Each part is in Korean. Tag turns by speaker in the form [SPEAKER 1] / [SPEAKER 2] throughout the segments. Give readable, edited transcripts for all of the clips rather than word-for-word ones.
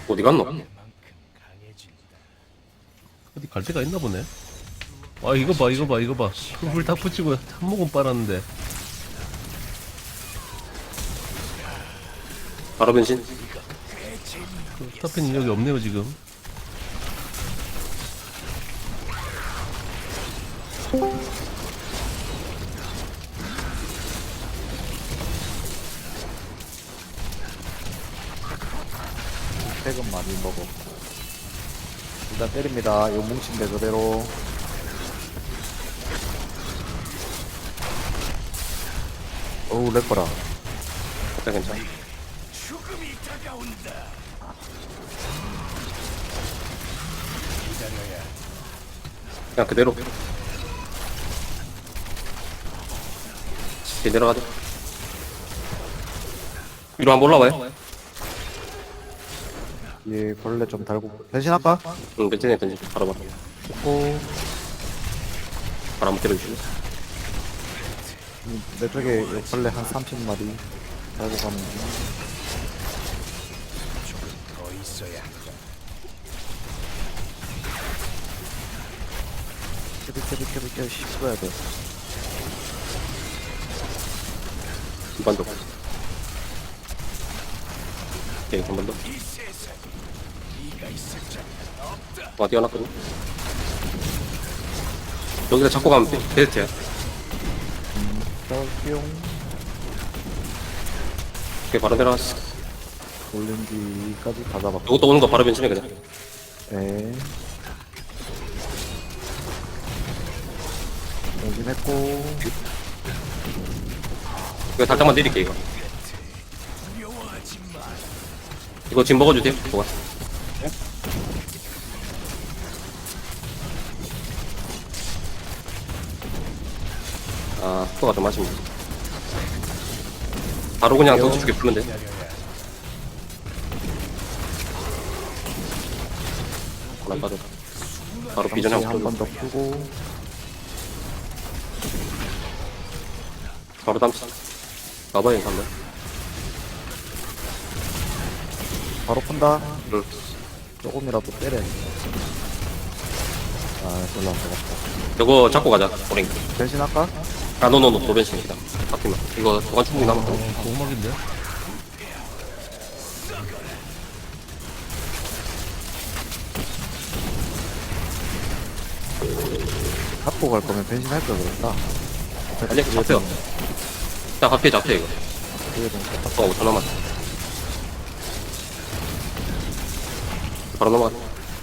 [SPEAKER 1] 어디 갔노?
[SPEAKER 2] 어디 갈 데가 있나 보네. 아 이거 봐 이거 봐 이거 봐. 흙을 다 붙이고 한 모금 빨았는데.
[SPEAKER 1] 바로 변신.
[SPEAKER 2] 그 타펜 인력이 없네요 지금.
[SPEAKER 3] 백은 많이 먹어. 일단 때립니다. 요 뭉친 데 그대로. 어우, 렉거라.
[SPEAKER 1] 괜찮아. 그냥 그대로. 뒤 내려가자. 위로 한번 올라와요.
[SPEAKER 3] 예, 벌레 좀 달고. 변신할까?
[SPEAKER 1] 응, 변신해, 변신. 바로 바로.
[SPEAKER 3] 오,
[SPEAKER 1] 바로 한번 때려주시고.
[SPEAKER 3] 내 쪽에 요 벌레 한 30마리 달고 가면 돼. 캐릭 씹어야 돼.
[SPEAKER 1] 한 번 더. 오케이, 한 번 더. 와, 뛰어났거든. 여기다 잡고 가면 베스트야.
[SPEAKER 3] 뿅.
[SPEAKER 1] 오케이, 바로 내려왔어.
[SPEAKER 3] 올린 뒤까지 다 잡았고.
[SPEAKER 1] 이것도 오는 거 바로 변신해, 그냥.
[SPEAKER 3] 네. 변신했고.
[SPEAKER 1] 이거 살짝만 내릴게, 이거. 이거 지금 먹어주세요, 뭐가. 아, 속도가 좀 아쉽네. 바로 그냥 덩치 주게 풀면 돼. 하나 빠져. 바로 비전 한번
[SPEAKER 3] 한번
[SPEAKER 1] 풀고.
[SPEAKER 3] 더 풀고.
[SPEAKER 1] 바로 담치. 가봐요, 한번.
[SPEAKER 3] 바로 푼다.
[SPEAKER 1] 응.
[SPEAKER 3] 조금이라도 때려. 아, 별로 안 되겠다.
[SPEAKER 1] 이거 잡고 가자, 오랭.
[SPEAKER 3] 변신할까?
[SPEAKER 1] 아, 노노노, 노변신이다. 바뀌면. 이거 도관 충분히 남았거든.
[SPEAKER 2] 고막인데.
[SPEAKER 3] 갖고 갈 거면 변신할 걸 그랬다.
[SPEAKER 1] 아니, 잡혀요. 자, 잡혀, 이거.
[SPEAKER 3] 그게 좀
[SPEAKER 1] 어, 5천 남았다. 바로 넘어가.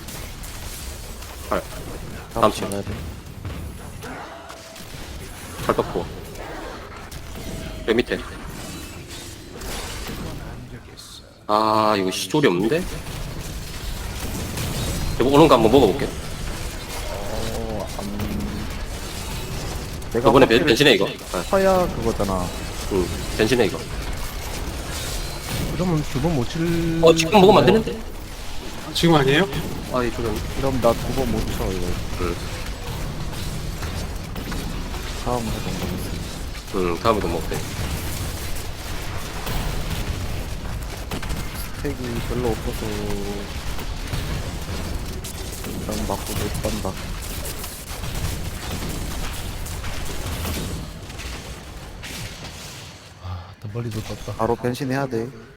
[SPEAKER 1] 8. 다음 치.
[SPEAKER 3] 가야 돼.
[SPEAKER 1] 8 떴고. 여기 밑에. 아, 이거 시조리 없는데? 이거 오는 거 한번 먹어볼게.
[SPEAKER 3] 내가
[SPEAKER 1] 저번에
[SPEAKER 3] 확실히
[SPEAKER 1] 변신해, 이거. 아,
[SPEAKER 3] 서야 그거잖아.
[SPEAKER 1] 응, 변신해, 이거.
[SPEAKER 2] 그러면 두 번 못 칠.
[SPEAKER 1] 지금 먹으면 안 되는데?
[SPEAKER 4] 지금 아니에요?
[SPEAKER 1] 아, 이 조정.
[SPEAKER 3] 그럼 나 두 번 못 쳐, 이거.
[SPEAKER 1] 응,
[SPEAKER 3] 다음 해본 거겠어.
[SPEAKER 1] 응, 다음에도 먹대.
[SPEAKER 3] 스택이 별로 없어서. 일단 맞고 못 간다.
[SPEAKER 2] 더 멀리도 떴다.
[SPEAKER 3] 바로 변신해야 돼.